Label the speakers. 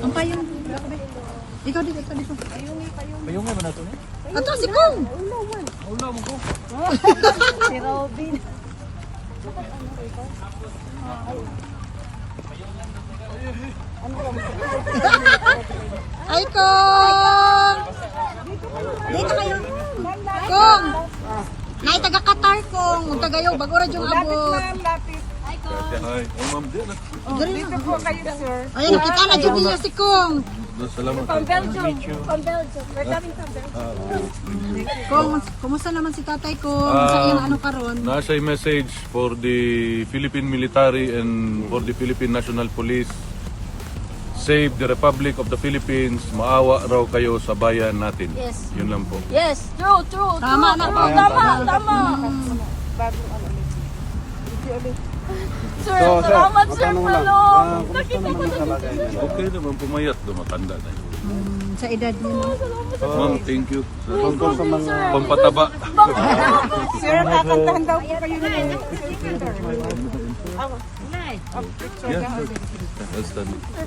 Speaker 1: Ang payong. Ikaw dito, dito.
Speaker 2: Payong nga ba na ito?
Speaker 1: Ato si Kong.
Speaker 2: Ula mo ko.
Speaker 3: Si Robin.
Speaker 1: Ay, Kong! Dito kayo. Kong! Nay, taga Qatar, Kong. Huwag tagayo, bago ra yung abot.
Speaker 2: Ay, ma'am, di na.
Speaker 3: Dito po kayo, sir.
Speaker 1: Ayan, nakita na dyan niya si Kong.
Speaker 2: Salamat.
Speaker 3: From Belgium. From Belgium. We're coming from Belgium.
Speaker 1: Kong, kumusta naman si tatay Kong? Sa iyang ano karon?
Speaker 2: Nasa a message for the Philippine military and for the Philippine National Police. Save the Republic of the Philippines. Maawa raw kayo sa bayan natin.
Speaker 3: Yes.
Speaker 2: Yun lang po.
Speaker 3: Yes, true, true.
Speaker 1: Tama na.
Speaker 3: Tama. Sir, salamat, sir, palong.
Speaker 2: Okay naman, pumayat. Matanda na yun.
Speaker 1: Sa edad niya. no?
Speaker 2: Ma'am, thank you. Pampataba.
Speaker 3: Sir, kakantahan daw po kayo ng
Speaker 2: Yeah. That's done.